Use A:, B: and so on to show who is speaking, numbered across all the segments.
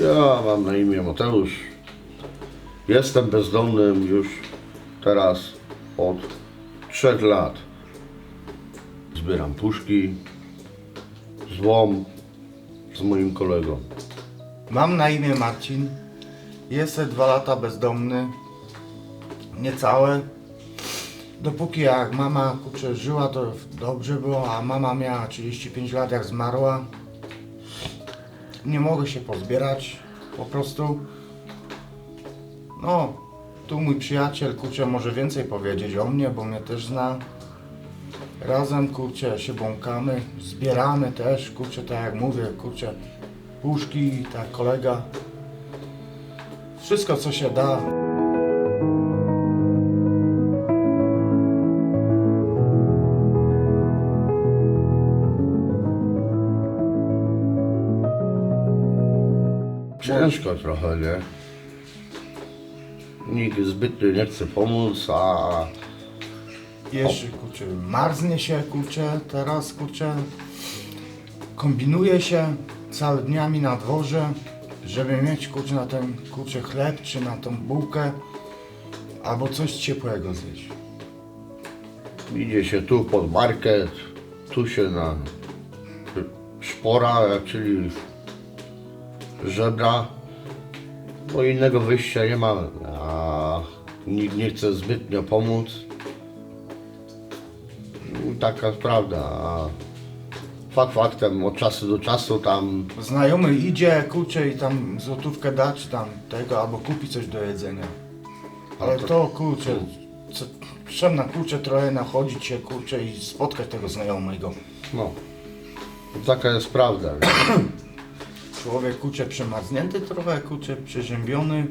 A: Ja mam na imię Mateusz. Jestem bezdomnym już teraz od 3 lat. Zbieram puszki, złom z moim kolegą.
B: Mam na imię Marcin. Jestem 2 lata bezdomny. Niecałe. Dopóki jak mama żyła, to dobrze było, a mama miała 35 lat jak zmarła. Nie mogę się pozbierać po prostu. No, tu mój przyjaciel może więcej powiedzieć o mnie, bo mnie też zna. Razem się błąkamy, zbieramy też, tak jak mówię, puszki, tak kolega. Wszystko co się da.
A: Ciężko trochę, nie? Nikt zbytnio nie chce pomóc, a
B: Jeszcze marznie się teraz kombinuje się cały dniami na dworze, żeby mieć na ten chleb czy na tą bułkę albo coś ciepłego zjeść.
A: idzie się tu pod market, tu się na szpora, czyli żebra, bo innego wyjścia nie mamy, a nikt nie chce zbytnio pomóc. Taka prawda, a faktem od czasu do czasu tam
B: Znajomy idzie i tam złotówkę da czy tam tego albo kupi coś do jedzenia. Ale to trzeba na trochę nachodzić się i spotkać tego znajomego.
A: no, taka jest prawda. Nie?
B: Człowiek przemarznięty trochę, przeziębiony.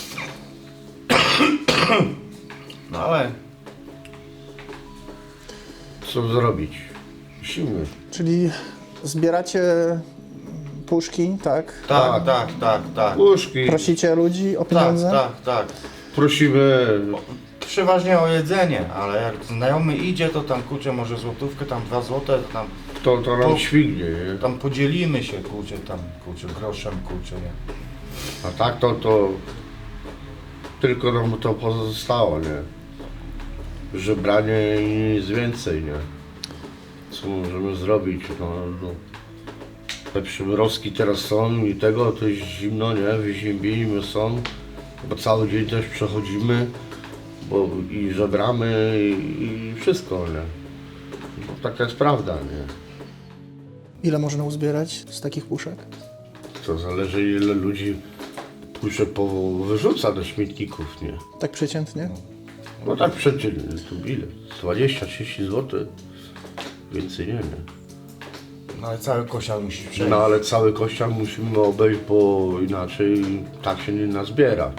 B: No ale
A: Co zrobić? Musimy.
C: Czyli zbieracie puszki, tak?
B: Tak.
A: Puszki,
C: Prosicie ludzi o pieniądze?
B: Tak.
A: prosimy,
B: Przeważnie o jedzenie, ale jak znajomy idzie, to tam może złotówkę, tam 2 złote, to
A: to nam śwignie, nie?
B: tam podzielimy się tam groszem, nie.
A: A tak to tylko nam to pozostało, nie? Żebranie i nic więcej, nie? Co możemy zrobić? No. Te przymrozki teraz są i tego, to jest zimno, nie? Wyziębieni są, bo cały dzień też przechodzimy, bo i żebramy i wszystko, nie? Bo taka jest prawda, nie?
C: Ile można uzbierać z takich puszek?
A: To zależy ile ludzi puszek wyrzuca do śmietników, nie?
C: Tak przeciętnie?
A: No tak przeciętnie, tu ile? 20-30 zł? Więcej nie.
B: No ale cały kosiar musi przejść.
A: No ale cały kościoł musimy obejść, bo inaczej tak się nie nazbiera.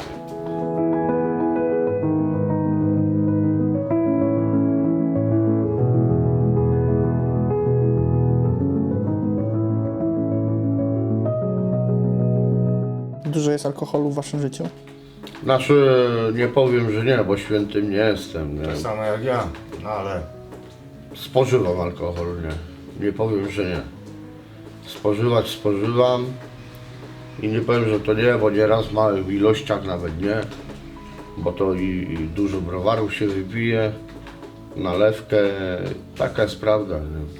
C: Dużo jest alkoholu w waszym życiu?
A: Znaczy nie powiem, że nie, bo świętym nie jestem, nie?
B: Tak samo jak ja, no ale
A: Spożywam alkohol, nie. Nie powiem, że nie. Spożywam i nie powiem, że to nie, bo nieraz w małych ilościach nawet nie, bo to i dużo browarów się wypije, nalewkę, taka jest prawda.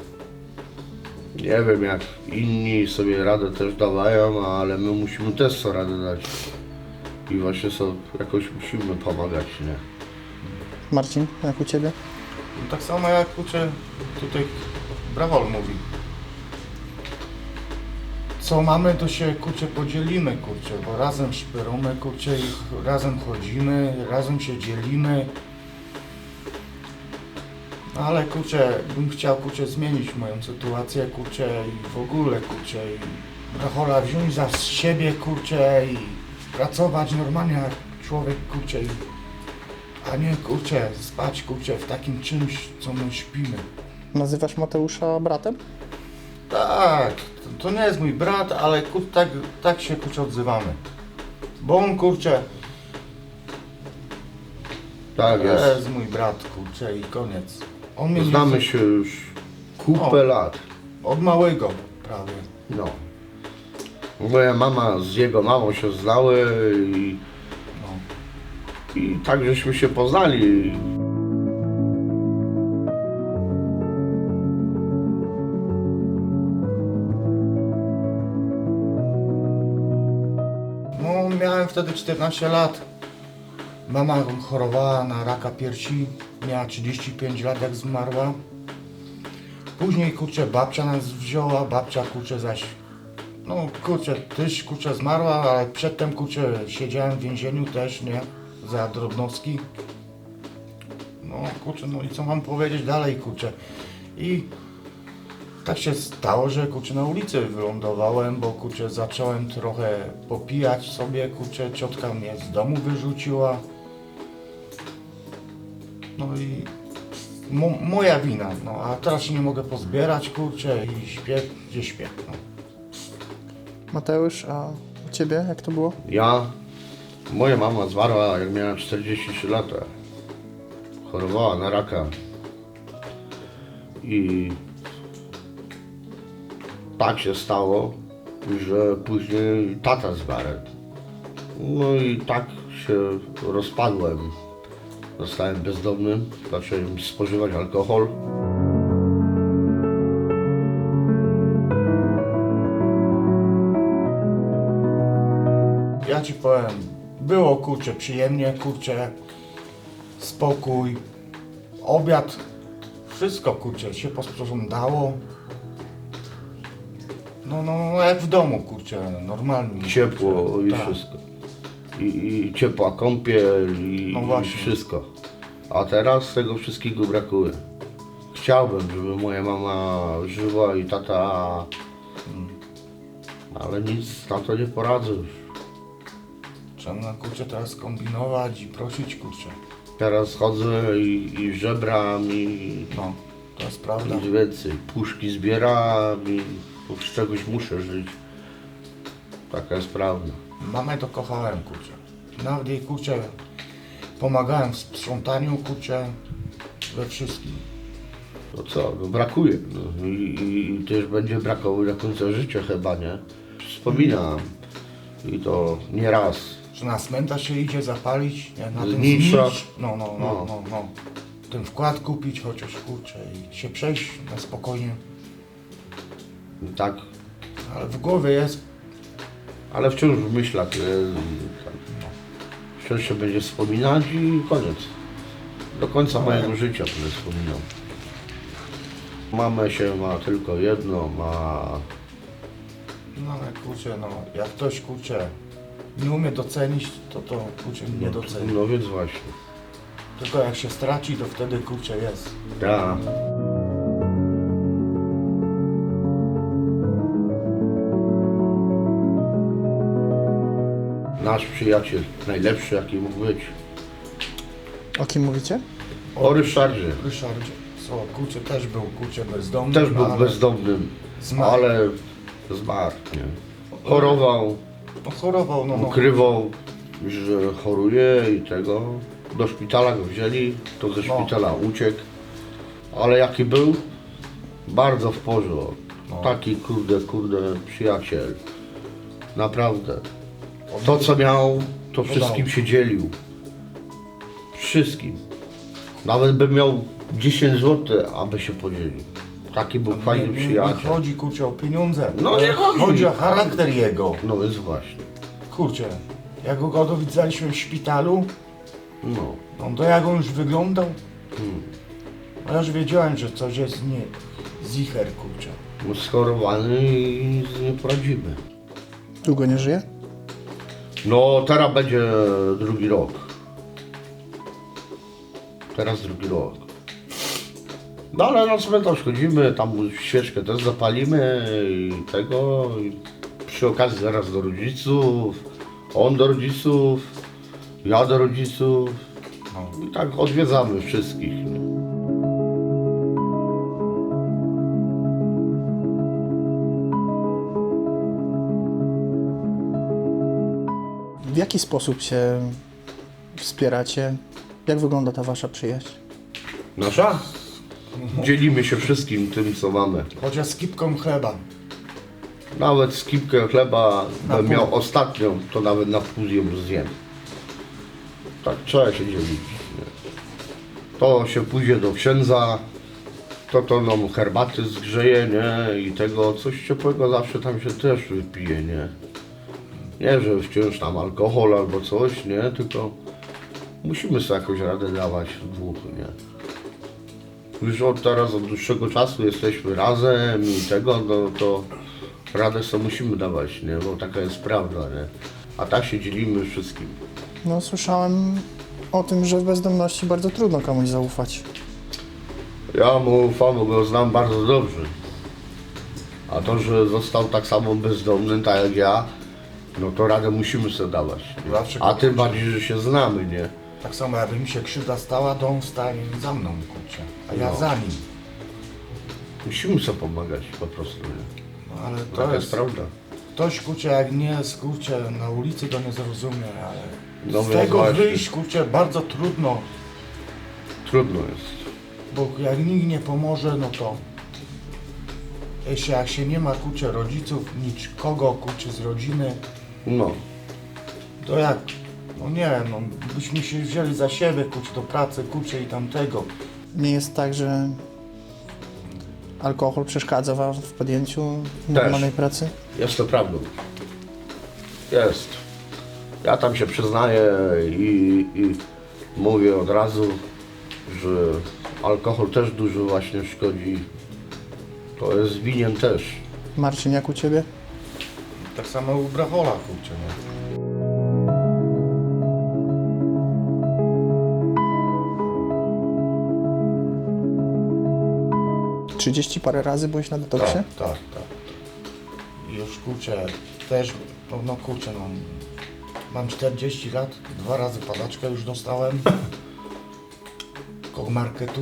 A: Nie wiem jak inni sobie radę też dawają, ale my musimy też sobie radę dać i właśnie sobie jakoś musimy pomagać, nie?
C: Marcin, jak u Ciebie?
B: tak samo jak tutaj Brawol mówi. Co mamy, to się podzielimy, bo razem szpyramy, i razem chodzimy, razem się dzielimy. No ale bym chciał zmienić moją sytuację, i w ogóle i Brawola wziąć za siebie, i pracować normalnie jak człowiek, a nie spać w takim czymś, co my śpimy.
C: Nazywasz Mateusza bratem?
B: Tak, to nie jest mój brat, ale tak się odzywamy. Bo on
A: Tak
B: to
A: jest.
B: jest mój brat i koniec. On mnie
A: Znamy się już kupę lat.
B: od małego prawie.
A: No. Moja mama z jego mamą się znały i tak żeśmy się poznali.
B: No, miałem wtedy 14 lat. Mama chorowała na raka piersi, miała 35 lat jak zmarła. Później kurczę babcia nas wzięła, babcia kurczę zaś, no kurczę też kurczę zmarła, ale przedtem kurczę siedziałem w więzieniu też, nie, za drobnostki. No kurczę, no i co mam powiedzieć dalej kurczę. I tak się stało, że kurczę na ulicy wylądowałem, bo kurczę zacząłem trochę popijać sobie, kurczę ciotka mnie z domu wyrzuciła. No i moja wina, no a teraz się nie mogę pozbierać, kurczę i śpię, gdzie śpię. No.
C: Mateusz, a u Ciebie jak to było?
A: Moja mama zmarła jak miała 43 lata. Chorowała na raka. I tak się stało, że później tata zmarł. No i tak się rozpadłem. Zostałem bezdomnym, zacząłem spożywać alkohol.
B: Ja ci powiem, było kurczę przyjemnie, kurczę, spokój, obiad, wszystko kurczę się posprzątało. No jak w domu kurczę, normalnie.
A: Ciepło
B: kurczę,
A: i
B: tak.
A: wszystko. I ciepła kąpiel
B: No
A: i
B: właśnie.
A: wszystko. A teraz tego wszystkiego brakuje. Chciałbym, żeby moja mama żyła i tata, ale nic na to nie poradzę już.
B: Trzeba kurczę teraz kombinować i prosić kurczę.
A: Teraz chodzę i żebram i
B: No, to jest prawda.
A: nic więcej. Puszki zbieram i z czegoś muszę żyć. Taka jest prawda.
B: Mamę to kochałem kurczę. Nawet jej kurczę pomagałem w sprzątaniu kurczę, we wszystkim.
A: No co, no brakuje. No. I też będzie brakowało do końca życia chyba, nie? Wspominam. I to nie raz.
B: Że na cmentarz się idzie zapalić, nie? Na ten
A: Znicza.
B: znicz. No. Ten wkład kupić chociaż kurczę i się przejść na spokojnie.
A: I tak.
B: Ale w głowie jest,
A: Ale wciąż w myślach. Tak. Wciąż się będzie wspominać i koniec. Do końca mojego życia będę wspominał. Mamę się ma tylko jedno,
B: no ale kurczę, no jak ktoś kurczę nie umie docenić, to kurczę nie doceni.
A: No więc właśnie.
B: Tylko jak się straci, to wtedy kurczę jest.
A: Ja. Nasz przyjaciel, najlepszy jaki mógł być.
C: O kim mówicie?
A: O Ryszardzie.
B: Ryszardzie, co kurczę też był kurczę bezdomny.
A: Też był
B: ale
A: bezdomnym,
B: zmarł.
A: ale zmarł. Nie. Chorował,
B: No, chorował, no.
A: ukrywał, że choruje i tego. Do szpitala go wzięli, to ze szpitala uciekł. Ale jaki był? Bardzo w porządku. Taki kurde przyjaciel. Naprawdę. To co miał, to wszystkim się dzielił. Wszystkim. Nawet by miał 10 zł, aby się podzielił. Taki był fajny
B: Nie
A: przyjaciel.
B: chodzi kurczę o pieniądze.
A: No nie chodzi.
B: Chodzi o charakter jego.
A: No więc właśnie.
B: Kurczę, jak go dowidzaliśmy w szpitalu,
A: No.
B: no to jak on już wyglądał, no ja już wiedziałem, że coś jest nie zicher, kurczę.
A: No schorowany i nie poradzimy.
C: Długo nie żyje?
A: No teraz będzie drugi rok. Teraz drugi rok. No ale na cmentarz chodzimy, tam świeczkę też zapalimy i tego. I przy okazji zaraz do rodziców, on do rodziców, ja do rodziców.
B: No.
A: I tak odwiedzamy wszystkich.
C: W jaki sposób się wspieracie? Jak wygląda ta wasza przyjaźń?
A: Nasza? Dzielimy się wszystkim tym, co mamy.
B: Chociaż z kipką chleba.
A: Nawet skipkę chleba
B: Na
A: bym
B: pół.
A: miał ostatnią, to nawet na pół ją zjem. Tak trzeba się dzielić. Nie? To się pójdzie do księdza, to nam herbaty zgrzeje, nie? I tego coś ciepłego zawsze tam się też wypije, nie? Nie, że wciąż tam alkohol albo coś, nie? Tylko musimy sobie jakoś radę dawać w dwóch, nie? Już od dłuższego czasu jesteśmy razem i tego, no to radę sobie musimy dawać, nie? Bo taka jest prawda, nie? A tak się dzielimy wszystkim.
C: No słyszałem o tym, że w bezdomności bardzo trudno komuś zaufać.
A: Ja mu ufam, bo go znam bardzo dobrze. A to, że został tak samo bezdomny, tak jak ja, no to radę musimy sobie dawać. Nie?
B: Zawsze
A: A
B: go
A: tym
B: muszę.
A: bardziej, że się znamy, nie?
B: Tak samo jakby mi się krzywda stała, to on stanie za mną, kurczę. A ja
A: No.
B: za nim.
A: Musimy sobie pomagać po prostu, nie?
B: No ale to
A: Taka jest
B: jest...
A: prawda.
B: Ktoś, kurczę, jak nie jest, kurczę, na ulicy, to nie zrozumie, ale
A: No
B: z
A: więc
B: tego
A: właśnie.
B: wyjść, kurczę, bardzo trudno.
A: Trudno jest.
B: Bo jak nikt nie pomoże, no to jeszcze jak się nie ma, kurczę, rodziców, nikogo, kurczę, z rodziny,
A: No.
B: to jak, no nie wiem, no, byśmy się wzięli za siebie, kurczę, do pracy, kurczę, i tamtego.
C: Nie jest tak, że alkohol przeszkadza wam w podjęciu normalnej pracy?
A: Jest to prawdą. Jest. Ja tam się przyznaję i mówię od razu, że alkohol też dużo właśnie szkodzi. To jest winien też.
C: Marcin, jak u ciebie?
B: Tak samo u Brachola, kurczę, nie?
C: 30 parę razy byłeś na detoksie?
B: Tak. I już, kurczę, też, no kurczę, no, mam 40 lat, 2 razy padaczkę już dostałem koło marketu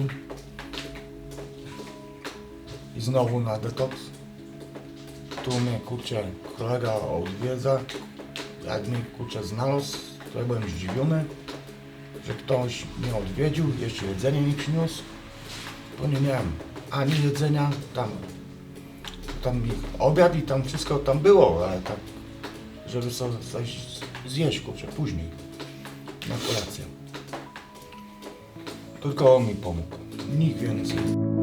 B: i znowu na detoks. Tu mnie, kurczę, kolega odwiedza, jak mnie, kurczę, znalazł, to ja byłem zdziwiony, że ktoś mnie odwiedził, jeszcze jedzenie mi przyniósł, bo nie miałem ani jedzenia, tam mi obiad i tam wszystko tam było, ale tak, żeby sobie coś zjeść, kurczę, później, na kolację. Tylko on mi pomógł, nikt więcej.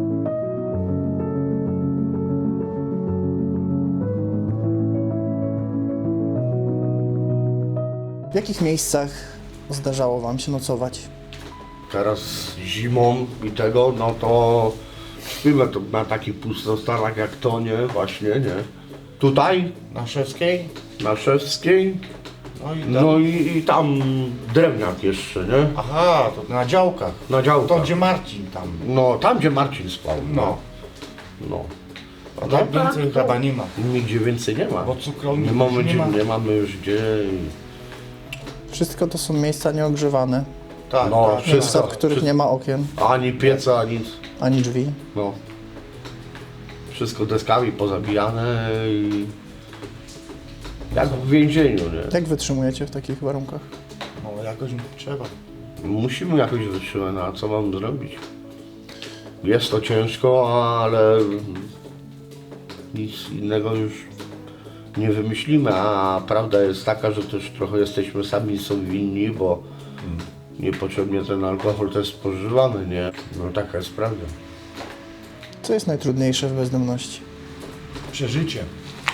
C: W jakich miejscach zdarzało wam się nocować?
A: Teraz zimą i tego, no to śpimy to na takich pustostanach jak to, nie? Właśnie, nie? Tutaj,
B: Na Szewskiej,
A: na Szewskiej,
B: no i tam,
A: no i tam drewniak jeszcze, nie?
B: aha, to na działkach,
A: Na działkach.
B: to gdzie Marcin tam,
A: No, tam gdzie Marcin spał.
B: no,
A: No.
B: a tak więcej
A: to
B: chyba nie ma,
A: Nigdzie więcej nie ma.
B: bo cukrowni
A: Nie mamy,
B: już nie ma.
A: nie mamy już gdzie.
C: Wszystko to są miejsca nieogrzewane,
B: Tak,
A: No,
B: tak,
A: wszystko.
C: miejsca, w których nie ma okien,
A: Ani pieca, nic.
C: ani drzwi.
A: No. Wszystko deskami pozabijane i jak w więzieniu, nie?
C: Jak wytrzymujecie w takich warunkach?
B: no jakoś trzeba.
A: Musimy jakoś wytrzymać, no a co mam zrobić? Jest to ciężko, ale nic innego już nie wymyślimy, a prawda jest taka, że też trochę jesteśmy sami sobie winni, bo niepotrzebnie ten alkohol też spożywamy, nie? No taka jest prawda.
C: Co jest najtrudniejsze w bezdomności?
B: Przeżycie.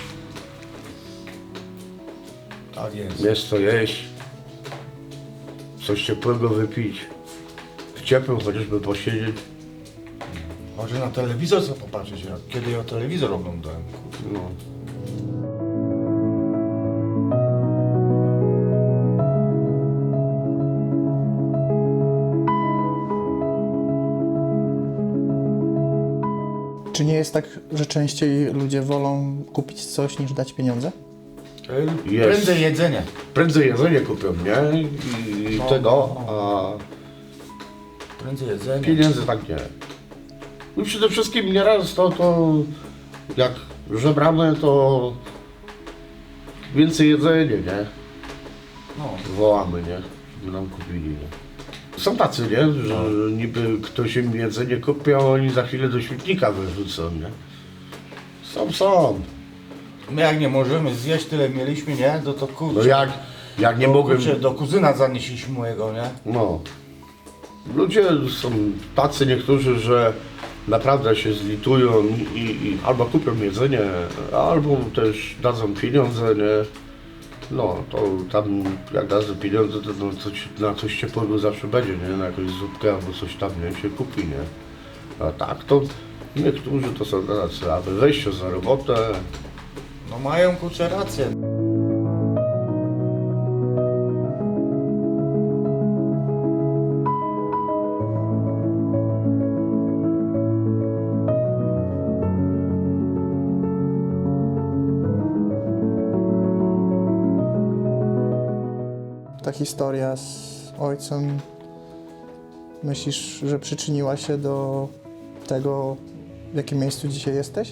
B: Tak jest.
A: Jest co jeść, coś ciepłego wypić, w ciepłym chociażby posiedzieć.
B: Może na telewizor sobie popatrzeć, jak kiedy ja telewizor oglądałem.
A: No.
C: Czy nie jest tak, że częściej ludzie wolą kupić coś niż dać pieniądze?
A: Jest.
B: Prędzej jedzenie.
A: Prędzej jedzenie kupią, nie? I
B: No,
A: tego,
B: no.
A: a
B: Prędzej jedzenie.
A: pieniędzy tak nie. No przede wszystkim nieraz to jak żebramy, to więcej jedzenia, nie?
B: No.
A: Wołamy, nie? Żeby nam kupili, nie? Są tacy, nie? Że niby ktoś im jedzenie kupi, a oni za chwilę do śmietnika wyrzucą, nie? Są.
B: My jak nie możemy zjeść, tyle mieliśmy, nie? To kurczę.
A: No jak nie mogłem...
B: Kurczę, do kuzyna zanieśliśmy mojego, nie?
A: No. Ludzie są tacy niektórzy, że naprawdę się zlitują i albo kupią jedzenie, albo też dadzą pieniądze, nie? No, to tam jak dadzą pieniądze, to no, na coś ciepłego zawsze będzie, nie? Na jakąś zupkę albo coś tam, nie? Się kupi, nie? A tak, to niektórzy to są tacy, aby wejście za robotę.
B: No mają kurczę rację.
C: Ta historia z ojcem, myślisz, że przyczyniła się do tego, w jakim miejscu dzisiaj jesteś?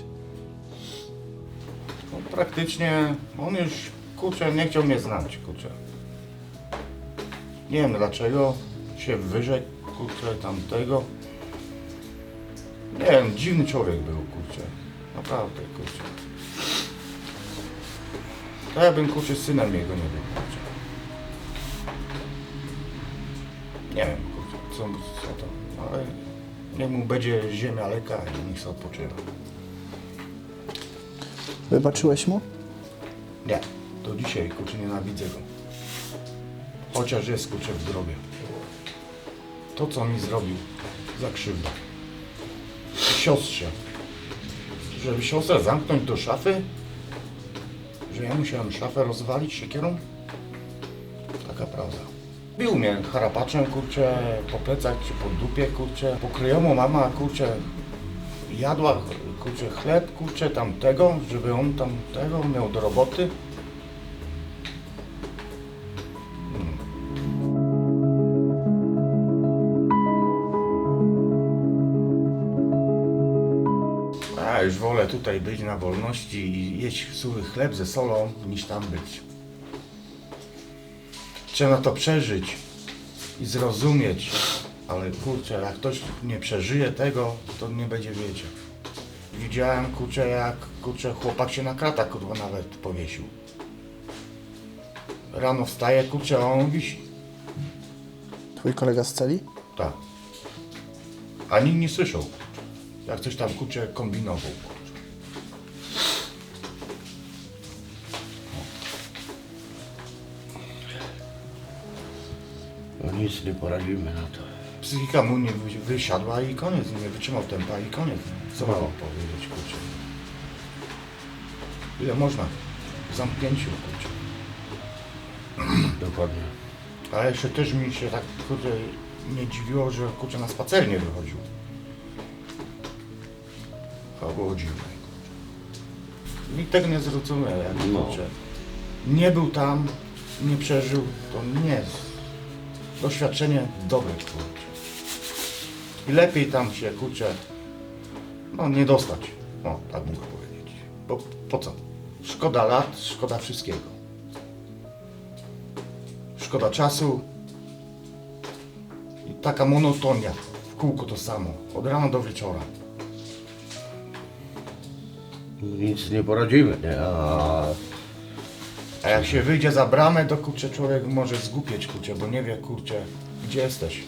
B: No, praktycznie on już kurczę nie chciał mnie znać, kurczę. Nie wiem dlaczego się wyrzekł, kurczę, tamtego. Nie wiem, dziwny człowiek był, kurczę. Naprawdę, kurczę. To ja bym, kurczę, synem jego nie był, kurczę. Nie wiem, kurczę, co to, ale niech mu będzie ziemia lekka i niech sobie odpoczywa.
C: Wybaczyłeś mu?
B: Nie, do dzisiaj, kurczę, nienawidzę go. Chociaż jest, kurczę, w grobie. To, co mi zrobił za krzywdę. Siostrze. Żeby siostrę zamknąć do szafy? Że ja musiałem szafę rozwalić siekierą? Taka prawda. Bił mnie harapaczem, kurczę, po plecach czy po dupie, kurczę. Pokryjomu mama, kurczę, jadła, kurczę, chleb, kurczę, tamtego, żeby on tamtego miał do roboty. A już wolę tutaj być na wolności i jeść suchy chleb ze solą, niż tam być. Trzeba to przeżyć i zrozumieć, ale kurczę, jak ktoś nie przeżyje tego, to nie będzie wiedział. Widziałem, kurczę, jak kurczę, chłopak się na kratach, kurwa, nawet powiesił. Rano wstaje, kurczę, a on wisi.
C: Twój kolega z celi?
B: Tak. A nikt nie słyszał, jak coś tam, kurczę, kombinował. Kurczę.
A: No nic nie poradzimy na to.
B: Psychika mu nie wysiadła i koniec, nie wytrzymał tempa i koniec. Co mam
A: No.
B: powiedzieć, kurczę? Ile można? W zamknięciu, kurczę.
A: Dokładnie.
B: A jeszcze też mi się tak, kurczę, nie dziwiło, że, kurczę, na spacer nie wychodził. To było dziwne, kurczę. Nikt tego nie zrozumiał, jak,
A: No.
B: kurczę. Nie był tam, nie przeżył, to nie jest doświadczenie dobre, kurczę. I lepiej tam się, kurczę, no nie dostać. No, tak mógł powiedzieć. Bo po co? Szkoda lat, szkoda wszystkiego. Szkoda czasu. I taka monotonia. W kółko to samo. Od rana do wieczora.
A: Nic nie poradzimy, nie?
B: A jak się wyjdzie za bramę, to kurczę człowiek może zgłupieć, kurczę, bo nie wie, kurczę, gdzie jesteś.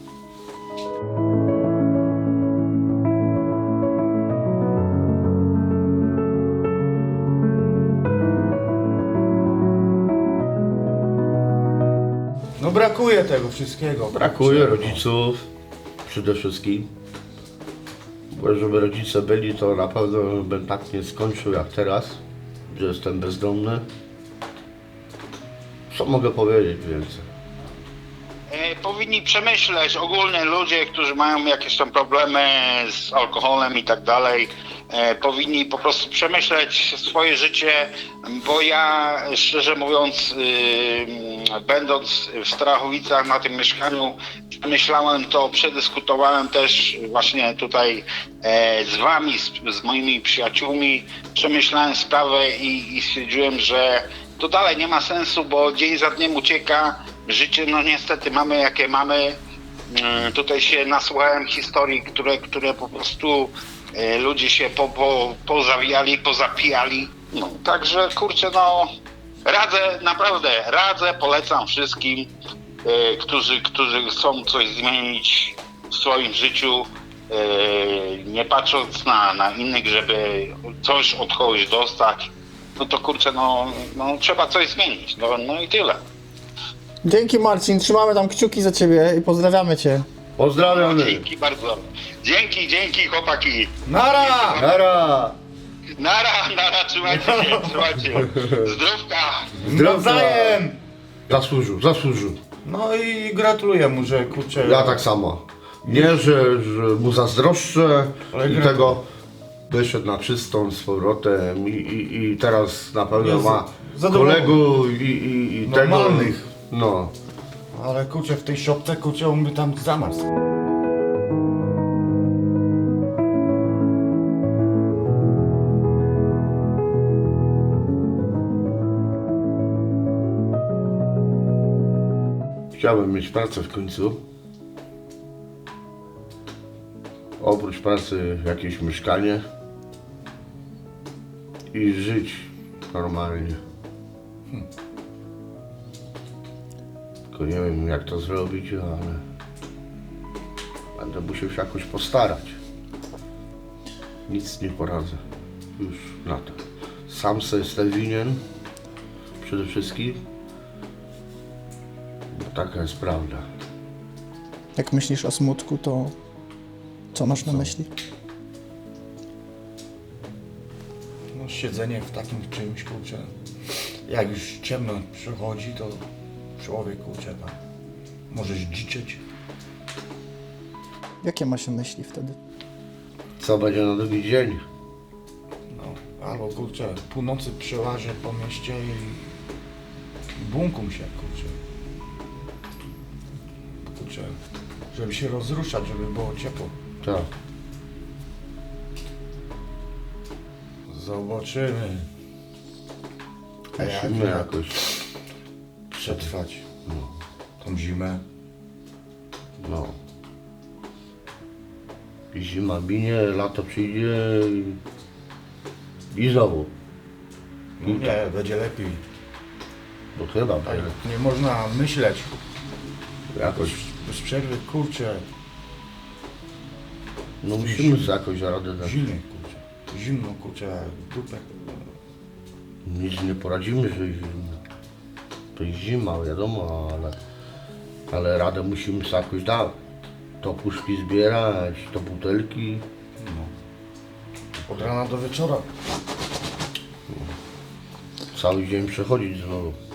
B: No brakuje tego wszystkiego.
A: Brakuje
B: kurczę, no.
A: rodziców przede wszystkim. Bo żeby rodzice byli, to na pewno bym tak nie skończył jak teraz, że jestem bezdomny. Co mogę powiedzieć więcej?
D: Powinni przemyśleć ogólnie ludzie, którzy mają jakieś tam problemy z alkoholem i tak dalej, powinni po prostu przemyśleć swoje życie, bo ja szczerze mówiąc, będąc w Strachowicach na tym mieszkaniu, myślałem to, przedyskutowałem też właśnie tutaj z wami, z moimi przyjaciółmi, przemyślałem sprawę i stwierdziłem, że to dalej nie ma sensu, bo dzień za dniem ucieka. Życie, no niestety mamy jakie mamy. Tutaj się nasłuchałem historii, które po prostu ludzie się pozawijali, pozapijali No, także kurczę, no radzę, polecam wszystkim, którzy chcą coś zmienić w swoim życiu, nie patrząc na innych, żeby coś od kogoś dostać, no to kurczę, no trzeba coś zmienić, no i tyle.
C: Dzięki Marcin, trzymamy tam kciuki za ciebie i pozdrawiamy cię.
A: Pozdrawiamy.
D: Dzięki bardzo. Dzięki chłopaki.
B: Nara!
A: Nara!
D: Nara, trzymajcie się. Zdrówka.
B: Nawzajem!
A: Zasłużył.
B: No i gratuluję mu, że kurczę...
A: Ja tak samo. Nie, że mu zazdroszczę
B: Ale
A: i
B: gra-
A: tego wyszedł na czystą z powrotem i teraz na pewno
B: Jest
A: ma
B: zadowolony.
A: kolegów i tego.
B: Normalnych.
A: No.
B: Ale kurczę, w tej szopce, kurczę, on by tam zamarzł.
A: Chciałbym mieć pracę w końcu. Oprócz pracy jakieś mieszkanie i żyć normalnie. Tylko nie wiem jak to zrobić, ale będę musiał się jakoś postarać. Nic nie poradzę już na to. Sam sobie jestem winien przede wszystkim. Bo taka jest prawda.
C: Jak myślisz o smutku, to co masz na myśli?
B: No siedzenie w takim czymś, kurczę, jak już ciemno przychodzi, to człowiek, kurczę, tam może zdziczeć.
C: Jakie ma się myśli wtedy?
A: Co będzie na drugi dzień?
B: No, albo kurczę, północy przełażę po mieście i bunkum się, kurczę. Kurczę, żeby się rozruszać, żeby było ciepło.
A: Tak.
B: Zobaczymy. A jak
A: Musimy jakoś.
B: przetrwać tą zimę?
A: No. I zima minie, lato przyjdzie i znowu.
B: No nie, będzie lepiej.
A: No chyba
B: Tak,
A: będzie.
B: nie można myśleć.
A: Jakoś.
B: Bez przerwy, kurczę,
A: No musimy sobie jakoś radę dać.
B: zimno, kurczę. Zimno, kurczę, jak dupę.
A: Nic nie poradzimy, że jest zimno. To jest zima, wiadomo, ale radę musimy sobie jakoś dać. To puszki zbierać, to butelki.
B: Od rana do wieczora.
A: Cały dzień przechodzić znowu.